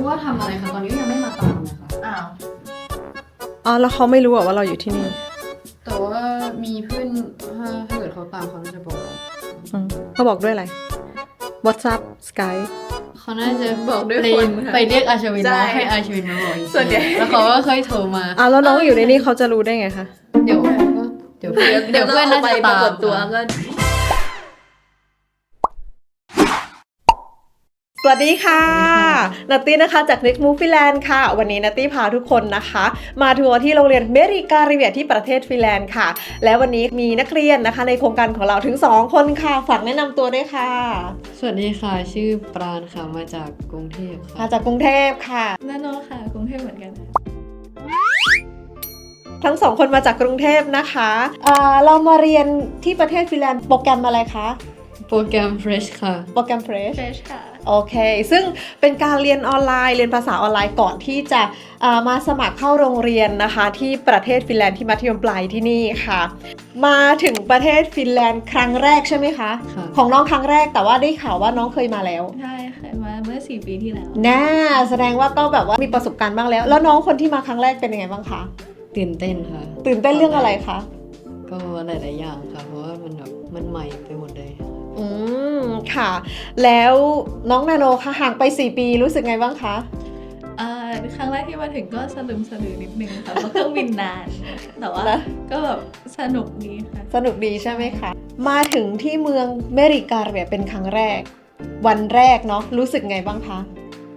ว่าทำอะไรคะตอนนี้ยังไม่มาตามนะคะอ้าวแล้วเขาไม่รู้ว่าเราอยู่ที่นี่แต่ว่ามีเพื่อนถ้าเกิดเขาตามเขาจะบอกเราเขาบอกด้วยอะไร WhatsApp Skype เขาน่าจะบอกด้วยคนไปเรียกอาชวินมาให้อาชวินมาบอกส่วนใหญ่แล้วเขาก็เคยโทรมาแล้วน้องอยู่ในนี้เขาจะรู้ได้ไงคะเดี๋ยวเพื่อนน่าจะตามตัวก็สวัสดีค่ะนัตตี้นะคะจาก Next Move Finland ค่ะวันนี้นัตตี้พาทุกคนนะคะมาทัวร์ที่โรงเรียนเมริการิเวียที่ประเทศฟินแลนด์ค่ะและวันนี้มีนักเรียนนะคะในโครงการของเราถึง2คนค่ะฝากแนะนำตัวด้วยค่ะสวัสดีค่ะชื่อปราณค่ะมาจากกรุงเทพค่ะมาจากกรุงเทพค่ะนาโนค่ะกรุงเทพเหมือนกันทั้ง2คนมาจากกรุงเทพนะคะเรามาเรียนที่ประเทศฟินแลนด์โปรแกรมอะไรคะโปรแกรม Fresh ค่ะโปรแกรม Fresh ค่ะโอเคซึ่งเป็นการเรียนออนไลน์เรียนภาษาออนไลน์ก่อนที่จะมาสมัครเข้าโรงเรียนนะคะที่ประเทศฟินแลนด์ที่มัธยมปลายที่นี่ค่ะมาถึงประเทศฟินแลนด์ครั้งแรกใช่ไหมคะของน้องครั้งแรกแต่ว่าได้ข่าวว่าน้องเคยมาแล้วใช่เคยมาเมื่อ4 ปีที่แล้วแสดงว่าก็แบบว่ามีประสบการณ์บ้างแล้วน้องคนที่มาครั้งแรกเป็นยังไงบ้างคะตื่นเต้นค่ะตื่นเต้นเรื่องอะไรคะก็หลายๆอย่างค่ะเพราะว่ามันใหม่ไปหมดเลยค่ะแล้วน้องนาโนคะห่างไป4 ปีรู้สึกไงบ้างคะครั้งแรกที่มาถึงก็สะลืมสะลือนิดนึงค่ะเพราะเครื่องบินนานแต่ว่าก็แบบสนุกดีค่ะสนุกดีใช่ไหมคะมาถึงที่เมืองเมริการิเวียเป็นครั้งแรกวันแรกเนาะรู้สึกไงบ้างคะ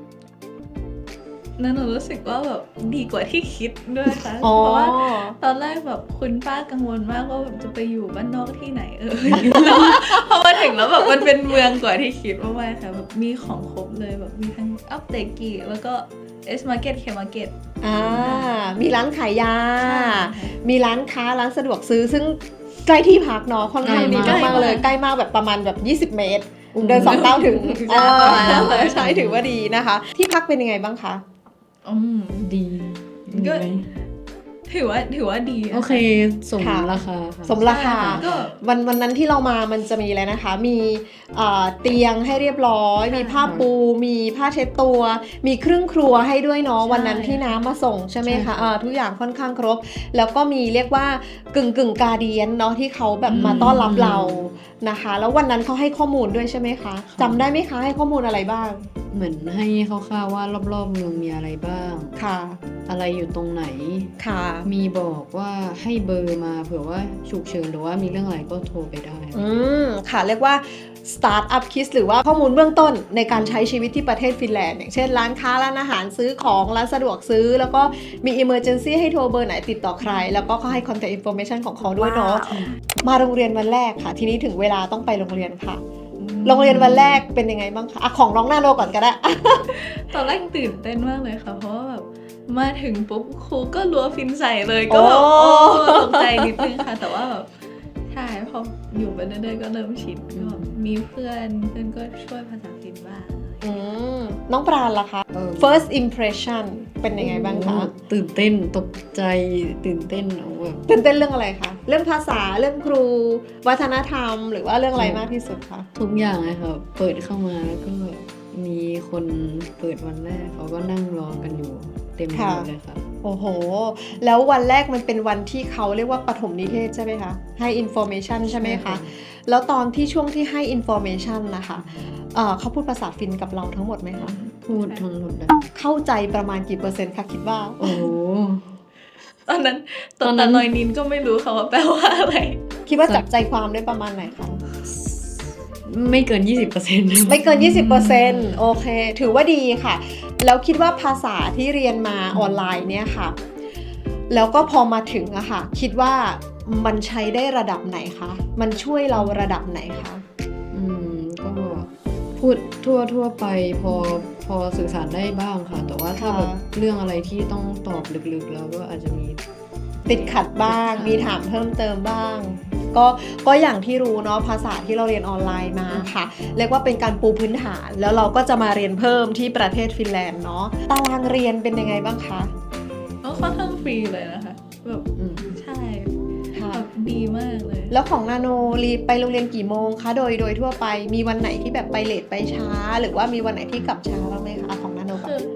หนูรู้สึกว่าแบบดีกว่าที่คิดด้วยค่ะเพราะว่าตอนแรกแบบคุณป้ากังวลมากว่าแบบจะไปอยู่บ้านนอกที่ไหนแต่ว่าพอมาถึงแล้วแบบมันเป็นเมืองกว่าที่คิดมากๆค่ะแบบมีของครบเลยแบบมีทั้งอัปเตกิแล้วก็เอสมาร์เก็ตเคมาร์เก็ตมีร้านขายยามีร้านค้าร้านสะดวกซื้อซึ่งใกล้ที่พักเนาะค่อนข้างดีมากเลยใกล้มากแบบประมาณแบบ20 เมตรเดิน2 ก้าวถึงใช่ถือว่าดีนะคะที่พักเป็นยังไงบ้างคะดีก็ถือว่าดีโอเคสมราคาสมราคาวันนั้นที่เรามามันจะมีอะไรนะคะมีเตียงให้เรียบร้อยมีผ้าปูมีผ้าเช็ดตัวมีเครื่องครัวให้ด้วยเนาะวันนั้นที่น้ำมาส่งใช่ไหมคะทุกอย่างค่อนข้างครบแล้วก็มีเรียกว่ากึ่งการเดียนเนาะที่เขาแบบมาต้อนรับเรานะคะแล้ววันนั้นเขาให้ข้อมูลด้วยใช่ไหมคะจำได้ไหมคะให้ข้อมูลอะไรบ้างเหมือนให้คร่าวๆว่ารอบๆเมืองมีอะไรบ้างค่ะอะไรอยู่ตรงไหนค่ะมีบอกว่าให้เบอร์มาเผื่อว่าฉุกเฉินหรือว่ามีเรื่องอะไรก็โทรไปได้ค่ะเรียกว่า Start up Kit หรือว่าข้อมูลเบื้องต้นในการใช้ชีวิตที่ประเทศฟินแลนด์อย่างเช่นร้านค้าร้านอาหารซื้อของร้านสะดวกซื้อแล้วก็มี Emergency ให้โทรเบอร์ไหนติดต่อใครแล้วก็เขาให้ Contact Information ของเขาด้วยเนาะมาโรงเรียนวันแรกค่ะทีนี้ถึงเวลาต้องไปโรงเรียนค่ะโรงเรียนวันแรกเป็นยังไงบ้างคะของน้องนาโนก่อนก็ได้ตอนแรกตื่นเต้นมากเลยค่ะเพราะว่าแบบมาถึงปุ๊บครูก็รัวฟินใส่เลยก็แบบตกใจนิดนึงค่ะแต่ว่าแบบใช่พออยู่ไปเรื่อยๆก็เริ่มชินก็มีเพื่อนก็ช่วยภาษาฟินบ้างน้องปราณล่ะคะ first impression เป็นยังไงบ้างคะตื่นเต้นตกใจตื่นเต้นแบบตื่นเต้นเรื่องอะไรคะเรื่องภาษาเรื่องครูวัฒนธรรมหรือว่าเรื่องอะไรมากที่สุดคะทุกอย่างเลยค่ะเปิดเข้ามาแล้วก็มีคนเปิดวันแรกเขาก็นั่งรอกันอยู่เต็มเลยค่ะโอ้โหแล้ววันแรกมันเป็นวันที่เขาเรียกว่าปฐมนิเทศใช่ไหมคะให้ information ใช่ไหมคะแล้วตอนที่ช่วงที่ให้ information นะคะเขาพูดภาษาฟินกับเราทั้งหมดไหมคะพูดทั้งหมดเลยเข้าใจประมาณกี่%คะคิดว่าโอ้ตอนนั้นนอยนินก็ไม่รู้ค่ะว่าแปลว่าอะไรคิดว่าจับใจความได้ประมาณไหนคะไม่เกิน 20% ไม่เกิน 20% โอเคถือว่าดีค่ะแล้วคิดว่าภาษาที่เรียนมาออนไลน์เนี่ยค่ะแล้วก็พอมาถึงอะค่ะคิดว่ามันใช้ได้ระดับไหนคะมันช่วยเราระดับไหนคะก็พูดทั่วไปพอสื่อสารได้บ้างค่ะแต่ว่าถ้าแบบเรื่องอะไรที่ต้องตอบลึกๆแล้วก็อาจจะมีติดขัดบ้างมีถามเพิ่มเติมบ้างก็อย่างที่รู้เนาะภาษาที่เราเรียนออนไลน์มาค่ะเรียกว่าเป็นการปูพื้นฐานแล้วเราก็จะมาเรียนเพิ่มที่ประเทศฟินแลนด์เนาะตารางเรียนเป็นยังไงบ้างคะค่อนข้างฟรีเลยนะคะแบบใช่แบบดีมากเลยแล้วของนาโนรีไปโรงเรียนกี่โมงคะโดยทั่วไปมีวันไหนที่แบบไปเลทไปช้าหรือว่ามีวันไหนที่กลับช้าบ้างไหมคะของนาโนคือ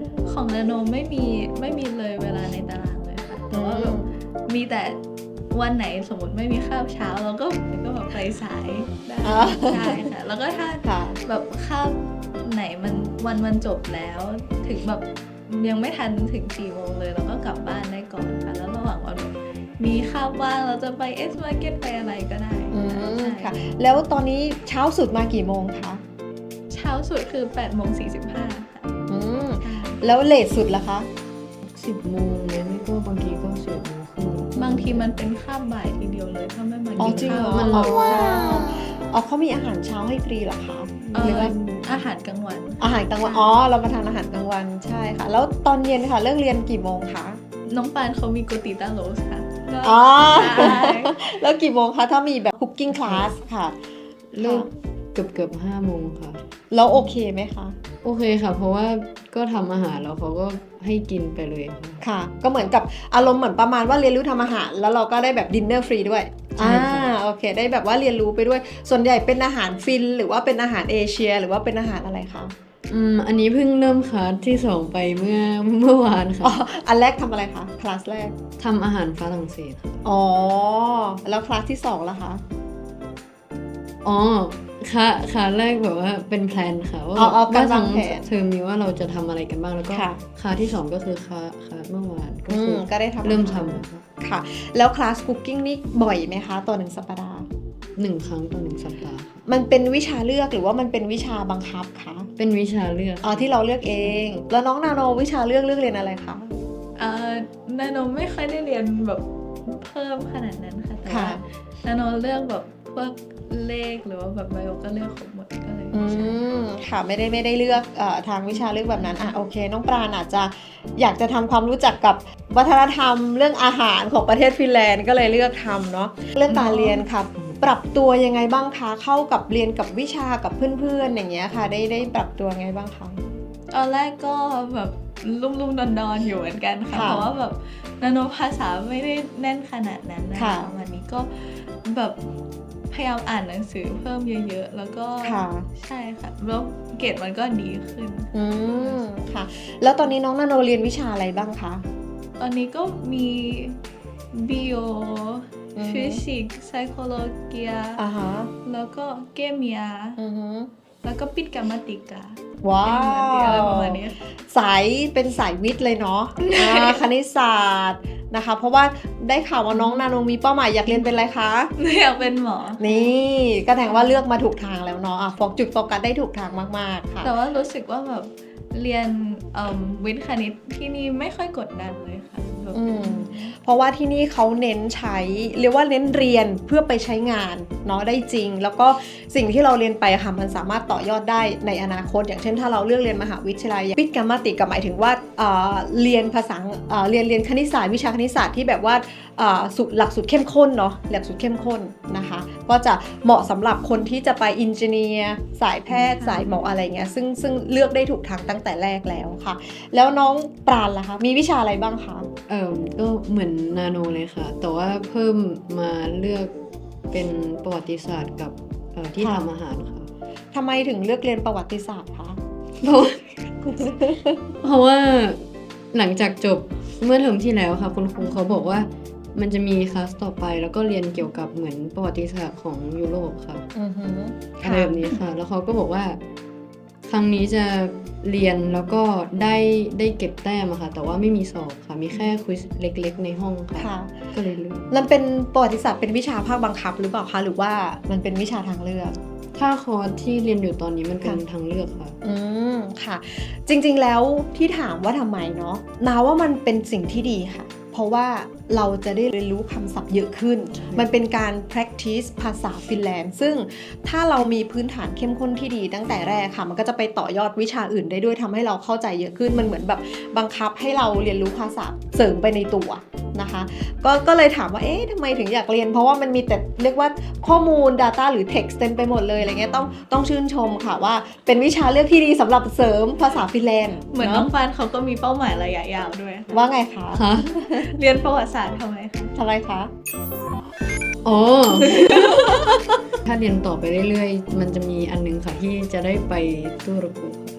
ของนาโนไม่มีเลยเวลาในตารางเลยค่ะแต่ว่าแบบมีแต่วันไหนสมมติไม่มีคาบเช้าเราก็แบบไปสายได้ใช่ค่ะแล้วก็ถ้าค่ะแบบคาบไหนมันจบแล้วถึงแบบยังไม่ทันถึง4 โมงเลยเราก็กลับบ้านได้ก่อนค่ะแล้วระหว่างวันแบบมีคาบว่างเราจะไปเอสมาร์เก็ตไปอะไรก็ได้ใช่ค่ะ แล้วตอนนี้เช้าสุดมากี่โมงคะเช้าสุดคือ8:45ค่ะอืมใช่แล้วเลทสุดล่ะคะ 10 โมงเลยไม่ก็บางทีก็11 โมงครึ่งบางทีมันเป็นคาบบ่ายทีเดียวเลยถ้าไม่มาอ๋อกินจริงเหรข้าอวมันอ๋อว้าวอ๋อเขามีอาหารเช้าให้ฟรีเหรอคะหหรืรือ อว่าว่าอาหารกลางวันอาหารกลางวัน อ๋อ เรามาทานอาหารกลางวันใช่ค่ะ แล้วตอนเย็นค่ะเลิกเรียนกี่โมงคะน้องปานเขามีโกติต้าโรสค่ะก็อ๋อใช่แล้วกี่โมงคะถ้ามีแบบคุกกิ้งคลาสค่ะเลิกเกือบ5 โมงค่ะแล้วโอเคไหมคะโอเคค่ะ เพราะว่าก็ทำอาหารแล้วเขาก็ให้กินไปเลยค่ะค่ะ ก็เหมือนกับอารมณ์เหมือนประมาณว่าเรียนรู้ทำอาหารแล้วเราก็ได้แบบดินเนอร์ฟรีด้วยใช่ค่ะโอเค ได้แบบว่าเรียนรู้ไปด้วย ส่วนใหญ่เป็นอาหารฟินหรือว่าเป็นอาหารเอเชีย หรือว่าเป็นอาหารอะไรคะอันนี้เพิ่งเริ่มคลาสที่ 2 ไปเมื่อวานอ๋อค่ะอันแรกทำอะไรคะ คลาสแรกทำอาหารฝรั่งเศสค่ะอ๋อ แล้วคลาสที่2ล่ะคะอ๋อค่ะแรกแบบว่าเป็นแพลนค่ะว่าอ๋อว่าการวาทั้งงแผนเทอมนี้ว่าเราจะทำอะไรกันบ้างแล้วก็ค่ะคลาสที่ 2 ก็คือคลาสเมื่อวานก็คือก็ได้ทำเริ่มอาหารทำค่ะค่ะ แล้วคลาสคุกกิ้งนี่บ่อยไหมคะต่อ1 สัปดาห์ 1 ครั้งต่อ 1 สัปดาห์ค่ะมันเป็นวิชาเลือกหรือว่ามันเป็นวิชาบังคับคะเป็นวิชาเลือกอ๋อที่เราเลือกเอง แล้วน้องนาโนวิชาเลือกเรียนอะไรคะนาโนไม่ค่อยได้เรียนแบบเพิ่มขนาดนั้นค่ะแต่ค่ะว่านาโนเลือกแบบพวกเลขหรือว่าแบบไบโอก็เลือกครบหมดก็เลย ใช่ค่ะไม่ได้เลือกทางวิชาเลือกแบบนั้นโอเคน้องปราณอาจจะอยากจะทำความรู้จักกับวัฒนธรรมเรื่องอาหารของประเทศฟินแลนด์ก็เลยเลือกทำเนาะเรื่องการเรียนค่ะปรับตัวยังไงบ้างคะเข้ากับเรียนกับวิชากับเพื่อนๆอย่างเงี้ยค่ะได้ปรับตัวไงบ้างคะตอนแรกก็แบบลุ่มๆดอนๆอยู่เหมือนกันค่ะค่ะเพราะว่าแบบนาโนภาษาไม่ได้แน่นขนาดนั้นนะค่ะวันนี้ก็แบบพยายามอ่านหนังสือเพิ่มเยอะๆแล้วก็ค่ะใช่ค่ะแล้วเกรดมันก็ดีขึ้นค่ะ แล้วตอนนี้น้องนาโนเรียนวิชาอะไรบ้างคะตอนนี้ก็มี bio อือฮึ physics psychology อ่าฮะแล้วก็ chemia อือฮึแล้วก็ปิดกรรมติกาว้าอะไรปวระมาณนี้เป็นสายวิทย์เลยเนาะ คณิตศาสตร์นะคะ เพราะว่าได้ข่าวว่าน้องนาโนมีเป้าหมายอยากเรียนเป็นอะไรคะอยากเป็นหมอนี่ก็แสดงว่าเลือกมาถูกทางแล้วเนาะจุดโฟกัสได้ถูกทางมากๆค่ะแต่ว่ารู้สึกว่าแบบเรียนวิทย์คณิตที่นี่ไม่ค่อยกดดันเลยค่ะแบบอืม เพราะว่าที่นี่เขาเน้นใช้เรียกว่าเน้นเรียนเพื่อไปใช้งานเนาะได้จริง แล้วก็สิ่งที่เราเรียนไปค่ะมันสามารถต่อยอดได้ในอนาคต อย่างเช่นถ้าเราเลือกเรียนมหาวิทยาลัยวิทย์กรรมติกหมายถึงว่าเรียนภาษาเรียนคณิตศาสตร์วิชาคณิตศาสตร์ที่แบบว่าหลักสูตรเข้มข้นเนาะหลักสูตรเข้มข้นนะคะก็จะเหมาะสำหรับคนที่จะไปอินเจเนียร์สายแพทย์สายหมออะไรเงี้ยซึ่งเลือกได้ถูกทางตั้งแต่แรกแล้วค่ะ แล้วน้องปราณล่ะคะมีวิชาอะไรบ้างคะก็เหมือนนาโนเลยค่ะ แต่ว่าเพิ่มมาเลือกเป็นประวัติศาสตร์กับที่ค่ะทำอาหารค่ะทำไมถึงเลือกเรียนประวัติศาสตร์คะเพราะว่าหลังจากจบเมื่อเทอมที่แล้วค่ะคุณครูเขาบอกว่ามันจะมีคลาสต่อไปแล้วก็เรียนเกี่ยวกับเหมือนประวัติศาสตร์ของยุโรปค่ะอือฮึอะไรแบบนี้ค่ะ แล้วเขาก็บอกว่า ครั้งนี้จะเรียนแล้วก็ได้เก็บแต้มอะค่ะ แต่ว่าไม่มีสอบค่ะ มีแค่ควิซเล็กๆในห้องค่ะค่ะก็เลยเลือกมันเป็นประวัติศาสตร์เป็นวิชาภาคบังคับหรือเปล่าคะหรือว่ามันเป็นวิชาทางเลือกถ้าคอร์สที่เรียนอยู่ตอนนี้มันเป็นค่ะทางเลือกค่ะค่ะ จริงๆแล้วที่ถามว่าทำไมเนาะนาว่ามันเป็นสิ่งที่ดีค่ะ เพราะว่าเราจะได้เรียนรู้คำศัพท์เยอะขึ้นใช่มันเป็นการ practice ภาษาฟินแลนด์ซึ่งถ้าเรามีพื้นฐานเข้มข้นที่ดีตั้งแต่แรกค่ะ มันก็จะไปต่อยอดวิชาอื่นได้ด้วยทำให้เราเข้าใจเยอะขึ้นมันเหมือนแบบบังคับให้เราเรียนรู้ภาษาเสริมไปในตัวนะคะ ก็เลยถามว่าเอ๊ะทำไมถึงอยากเรียนเพราะว่ามันมีแต่เรียกว่าข้อมูล Data หรือ Text เต็มไปหมดเลยอะไรเงี้ยต้องชื่นชมค่ะว่าเป็นวิชาเลือกที่ดีสำหรับเสริมภาษาฟินแลนด์เหมือนน้องฟานเขาก็มีเป้าหมายระยะยาวด้วยค่ะว่าไงคะค่ะเรียนประวัติศาสตร์ทำไมคะทำไมคะอ๋อ ถ้าเรียนต่อไปเรื่อยๆ มันจะมีอันนึงค่ะที่จะได้ไปตุรกีค่ะ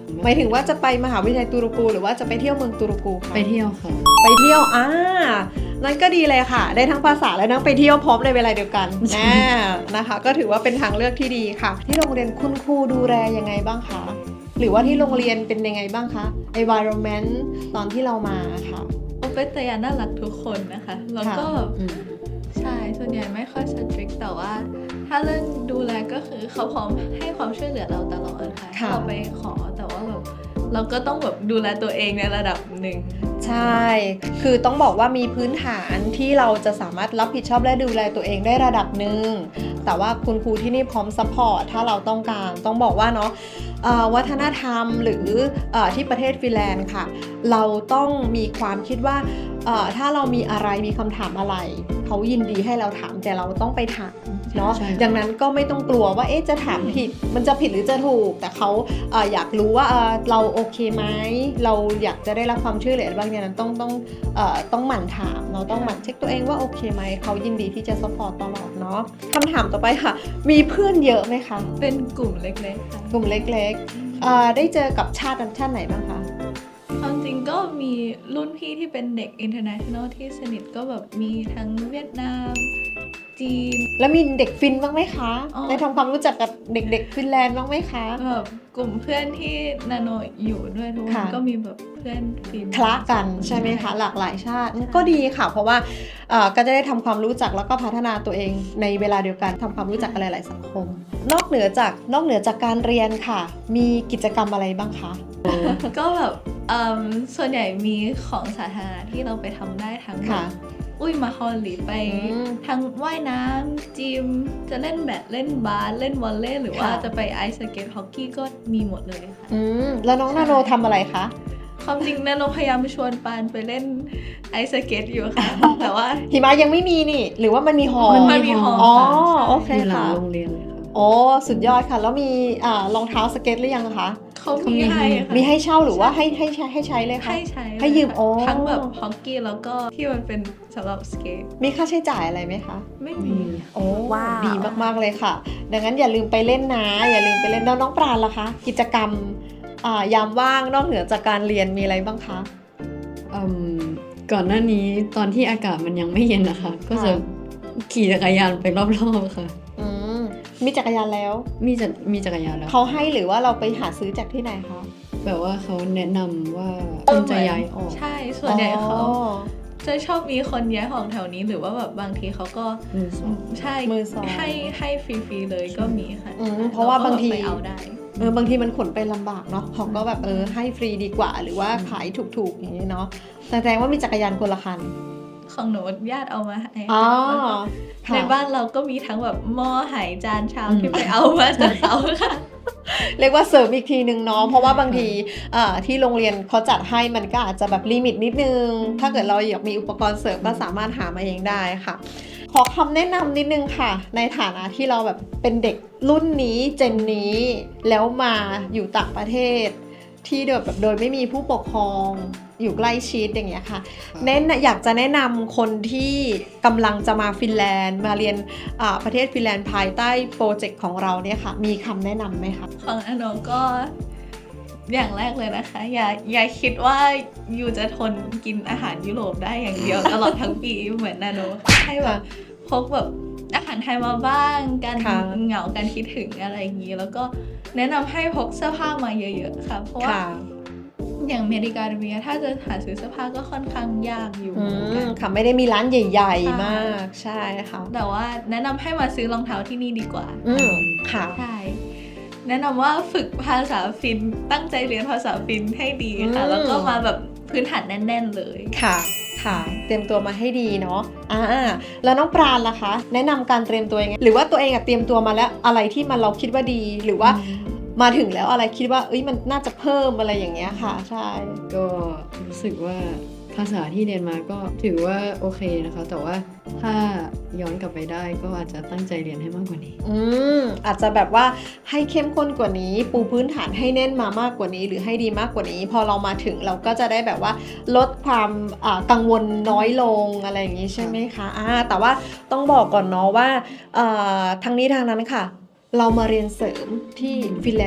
หมายถึงว่าจะไปมหาวิทยาลัยตูรูกูหรือว่าจะไปเที่ยวเมืองตูรูกูคะไปเที่ยวค่ะไปเที่ยวนั่นก็ดีเลยค่ะ ได้ทั้งภาษาและทั้งไปเที่ยวพร้อมในเวลาเดียวกันนะคะ ก็ถือว่าเป็นทางเลือกที่ดีค่ะ ที่โรงเรียนคุณครูดูแลยังไงบ้างคะ หรือว่าที่โรงเรียนเป็นยังไงบ้างคะ environment ตอนที่เรามาค่ะโอเปตยาน่ารักทุกคนนะคะ แล้วก็อืมใช่ส่วนใหญ่ไม่ค่อยสตริกแต่ว่าถ้าเรื่องดูแลก็คือเขาพร้อมให้ความช่วยเหลือเราตลอดค่ะค่ะเราไปขอแต่ว่าแบบเราก็ต้องแบบดูแลตัวเองในระดับหนึ่งใช่ คือต้องบอกว่ามีพื้นฐานที่เราจะสามารถรับผิดชอบและดูแลตัวเองได้ระดับหนึ่ง แต่ว่าคุณครูที่นี่พร้อมซัพพอร์ตถ้าเราต้องการ ต้องบอกว่าเนาะวัฒนธรรมหรือที่ประเทศฟินแลนด์ค่ะ เราต้องมีความคิดว่าถ้าเรามีอะไรมีคำถามอะไร เขายินดีให้เราถามแต่เราต้องไปถามเนาะใช่ดังนั้นก็ไม่ต้องกลัวว่าจะถามผิด มันจะผิดหรือจะถูก แต่เขาอยากรู้ว่าเราโอเคไหมเราอยากจะได้รับความช่วยเหลือบ้างอย่างนั้นต้องหมั่นถามเราต้องหมั่นเช็คตัวเองว่าโอเคไหมเขายินดีที่จะซัพพอร์ตตลอดเนาะคำถามต่อไปค่ะ มีเพื่อนเยอะไหมคะเป็นกลุ่มเล็กๆค่ะกลุ่มเล็กๆได้เจอกับชาติไหนบ้างคะความจริงก็มีรุ่นพี่ที่เป็นเด็ก international ที่สนิทก็แบบมีทั้งเวียดนาม จีนแล้วมีเด็กฟินบ้างไหมคะอ๋อได้ทำความรู้จักกับเด็กๆฟินแลนด์บ้างไหมคะแบบกลุ่มเพื่อนที่นาโนอยู่ด้วยทุกคนค่ะก็มีแบบเพื่อนฟินคละกันใช่ไหมคะ หลากหลายชาติก็ดีค่ะ เพราะว่าก็จะได้ทำความรู้จักแล้วก็พัฒนาตัวเองในเวลาเดียวกันทำความรู้จักกันหลายๆสังคม นอกเหนือจากการเรียนค่ะ มีกิจกรรมอะไรบ้างคะก็แบบส่วนใหญ่มีของสาธารณะที่เราไปทำได้ทั้งแบบค่ะมาฮอลลีไป ทั้งว่ายน้ำจิม จะเล่นแบดเล่นบาสเล่นวอลเลย์หรือว่าค่ะจะไปไอซ์สเก็ตฮอกกี้ก็มีหมดเลยค่ะแล้วน้องนาโนทำอะไรคะความจริงนาโนพยายามชวนปานไปเล่นไอซ์สเก็ตอยู่ค่ะ แต่ว่าหิมะยังไม่มีนี่ หรือว่ามันมีหอมันมีหออ๋อค่ะโอเคอยู่หลังค่ะโรงเรียนเลยค่ะโอ้สุดยอดค่ะ แล้วมีรองเท้าสเก็ตหรือยังคะเขามีให้ค่ะมีให้เช่าหรือว่าให้ใช้เลยคะให้ใช้ให้ยืมโอ้ทั้งแบบฮอกกี้แล้วก็ที่มันเป็นสำหรับสเก็ตมีค่าใช้จ่ายอะไรไหมคะไม่ไม่มีมีโอ้ว้าวดีมากๆเลยค่ะ ดังนั้นอย่าลืมไปเล่นนะ อย่าลืมไปเล่นแล้วน้องปราณล่ะคะ กิจกรรมยามว่างนอกเหนือจากการเรียนมีอะไรบ้างคะก่อนหน้านี้ตอนที่อากาศมันยังไม่เย็นนะคะ ก็จะขี่จักรยานไปรอบๆค่ะอืมมีจักรยานแล้วมีจักรยานแล้วเขาให้หรือว่าเราไปหาซื้อจากที่ไหนคะแบบว่าเขาแนะนำว่าคนจะย้ายออกใช่ ส่วนใหญ่เขาอ๋อจะชอบมีคนย้ายของแถวนี้หรือว่าแบบบางทีเขาก็มือสองใช่มือสองให้ฟรีๆเลยก็มีค่ะเพราะว่าบางทีเรก็ไปเอาได้บางทีมันขนไปลำบากเนาะเขาก็แบบให้ฟรีดีกว่า หรือว่าขายถูกๆอย่างนี้เนาะแสดงว่ามีจักรยานคนละคันของหนูญาติเอามาให้อ๋อแล้วก็ค่ะในบ้านเราก็มีทั้งแบบหม้อไหจานชามที่ไปเอามาจากเขาค่ะเรียกว่าเสริมอีกทีนึงเนาะเพราะว่าบางทีที่โรงเรียนเขาจัดให้มันก็อาจจะแบบลิมิตนิดนึง ถ้าเกิดเราอยากมีอุปกรณ์เสริมก็สามารถหามาเองได้ค่ะ ขอคำแนะนำนิดนึงค่ะ ในฐานะที่เราแบบเป็นเด็กรุ่นนี้เจนนี้ แล้วมาอยู่ต่างประเทศ ที่โดยไม่มีผู้ปกครองอยู่ใกล้ชิดอย่างเงี้ยค่ะ อยากจะแนะนำคนที่กำลังจะมาฟินแลนด์มาเรียนประเทศฟินแลนด์ภายใต้โปรเจกต์ของเราเนี่ยค่ะ มีคำแนะนำไหมคะของอโนก็อย่างแรกเลยนะคะ อย่าคิดว่ายูจะทนกินอาหารยุโรปได้อย่างเดียว ตลอดทั้งปีเหมือนนาโนให้แบบพกแบบอาหารไทยมาบ้างการค่ะเหงาการคิดถึงอะไรอย่างนี้ แล้วก็แนะนำให้พกเสื้อผ้ามาเยอะๆค่ะ เพราะว่าค่ะอย่างอเมริกาเมียถ้าจะหาซื้อเสื้อผ้าก็ค่อนข้างยากอยู่อืเหมือนกันมค่ะไม่ได้มีร้านใหญ่ใช่ๆ มากใช่ค่ะแต่ว่าแนะนำให้มาซื้อรองเท้าที่นี่ดีกว่าค่ะใช่ แนะนำว่าฝึกภาษาฟินตั้งใจเรียนภาษาฟินให้ดีค่ะ แล้วก็มาแบบพื้นฐานแน่น ๆ เลยค่ะเตรียมตัวมาให้ดีเนาะแล้วน้องปราณล่ะคะ แนะนำการเตรียมตัวยังไงหรือว่าตัวเองเตรียมตัวมาแล้วอะไรที่เราคิดว่าดีหรือว่ามาถึงแล้วอะไรคิดว่ามันน่าจะเพิ่มอะไรอย่างเงี้ยค่ะ ใช่ก็รู้สึกว่าภาษาที่เรียนมาก็ถือว่าโอเคนะคะ แต่ว่าถ้าย้อนกลับไปได้ก็อาจจะตั้งใจเรียนให้มากกว่านี้อาจจะแบบว่าให้เข้มข้นกว่านี้ ปูพื้นฐานให้แน่นมามากกว่านี้ หรือให้ดีมากกว่านี้ พอเรามาถึงเราก็จะได้แบบว่าลดความกังวลน้อยลงอะไรอย่างนี้ใช่ไหมคะแต่ว่าต้องบอกก่อนเนาะว่าทางนี้ทางนั้นค่ะ เรามาเรียนเสริมที่ฟินแลนด์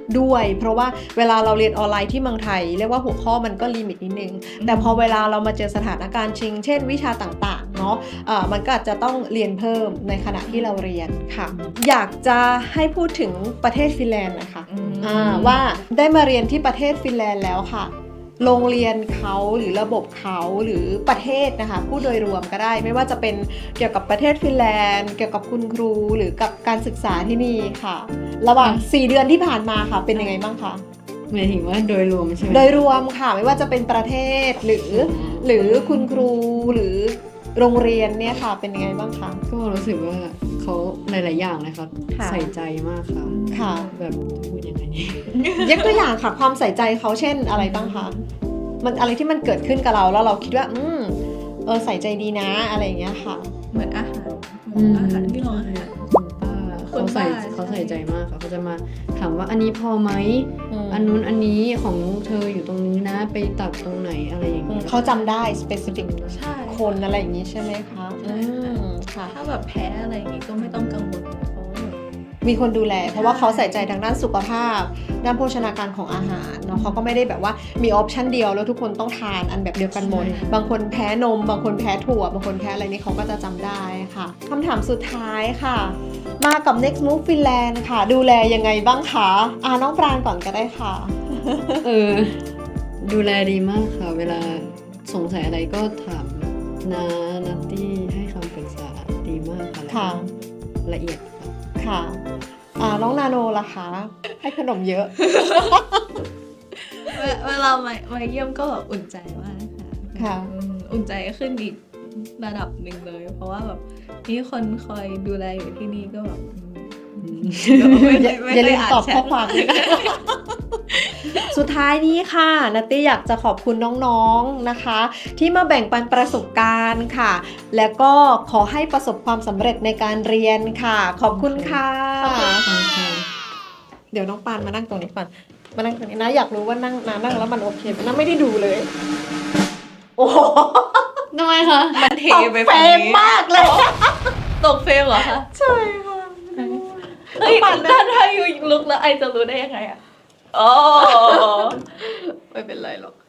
ด้วย เพราะว่าเวลาเราเรียนออนไลน์ที่เมืองไทยเรียกว่าหัวข้อมันก็ลิมิตนิดนึงแต่พอเวลาเรามาเจอสถานการณ์จริงเช่นวิชาต่างๆเนาะมันก็อาจจะต้องเรียนเพิ่มในขณะที่เราเรียนค่ะอยากจะให้พูดถึงประเทศฟินแลนด์นะคะว่าได้มาเรียนที่ประเทศฟินแลนด์แล้วค่ะโรงเรียนเขาหรือระบบเขาหรือประเทศนะคะพูดโดยรวมก็ได้ไม่ว่าจะเป็นเกี่ยวกับประเทศฟินแลนด์เกี่ยวกับคุณครูหรือกับการศึกษาที่นี่ค่ะระหว่าง4 เดือนที่ผ่านมาค่ะเป็นยังไงบ้างคะหมายถึงว่าโดยรวมใช่ไหมโดยรวมค่ะไม่ว่าจะเป็นประเทศหรือคุณครูหรือโรงเรียนเนี่ยค่ะเป็นยังไงบ้างคะก็รู้สึกว่าเขาหลายๆอย่างเลยครับค่ะใส่ใจมากค่ะค่ะแบบจะพูดยังไงดียกตัวอย่างค่ะความใส่ใจเขาเช่นอะไรบ้างคะมันอะไรที่มันเกิดขึ้นกับเราแล้วเราคิดว่าใส่ใจดีนะอะไรอย่างเงี้ยค่ะเหมือนอาหารที่โรงอาหารคุณป้าเขาใส่ใจมากค่ะเขาจะมาถามว่าอันนี้พอไหมอันนู้นอันนี้ของเธออยู่ตรงนี้นะไปตักตรงไหนอะไรอย่างเงี้ยเขาจำได้ specific ใช่คนอะไรอย่างนี้ใช่ไหมคะใช่ค่ะค่ะถ้าแบบแพ้อะไรอย่างงี้ก็ไม่ต้องกังวลเพราะว่าแบบมีคนดูแลเพราะว่าเขาใส่ใจทางด้านสุขภาพด้านโภชนาการของอาหารเนาะเขาก็ไม่ได้แบบว่ามีออปชันเดียวแล้วทุกคนต้องทานอันแบบเดียวกันหมดใช่บางคนแพ้นม บางคนแพ้ถั่วบางคนแพ้อะไรนี่เขาก็จะจำได้ค่ะคำถามสุดท้ายค่ะ มากับ Next Move Finland ค่ะ ดูแลยังไงบ้างคะน้องปรางก่อนก็ได้ค่ะดูแลดีมากค่ะ เวลาสงสัยอะไรก็ถามนานัตตี้ให้คำปรึกษาดีมากค่ะค่ะละเอียดค่ะค่ะน้องนาโนล่ะคะ ให้ขนมเยอะเวลามาเยี่ยมก็แบบอุ่นใจมากค่ะค่ะอุ่นใจขึ้นอีกระดับหนึ่งเลย เพราะว่าแบบมีคนคอยดูแลอยู่ที่นี่ก็แบบอย่าลืมตอบข้อมความด้วยนะ สุดท้ายนี้ค่ะนัตตี้อยากจะขอบคุณน้องๆนะคะ ที่มาแบ่งปันประสบการณ์ค่ะ แล้วก็ขอให้ประสบความสำเร็จในการเรียนค่ะ ขอบคุณค่ะ เดี๋ยวน้องปานมานั่งตรงนี้ก่อนมานั่งตรงนี้นะอยากรู้ว่านั่งแล้วมันโอเคไหมนะไม่ได้ดูเลย โอ้โหทำไมคะมันเทไปเฟรฝั่งมนี้มากเลยตกเฟรมเหรอคะใช่ค่ะเฮ้ยถ้าอยู่ลุกแล้วไอจะรู้ได้ยังไงอ่ะอ๋อไม่เป็นไรหรอก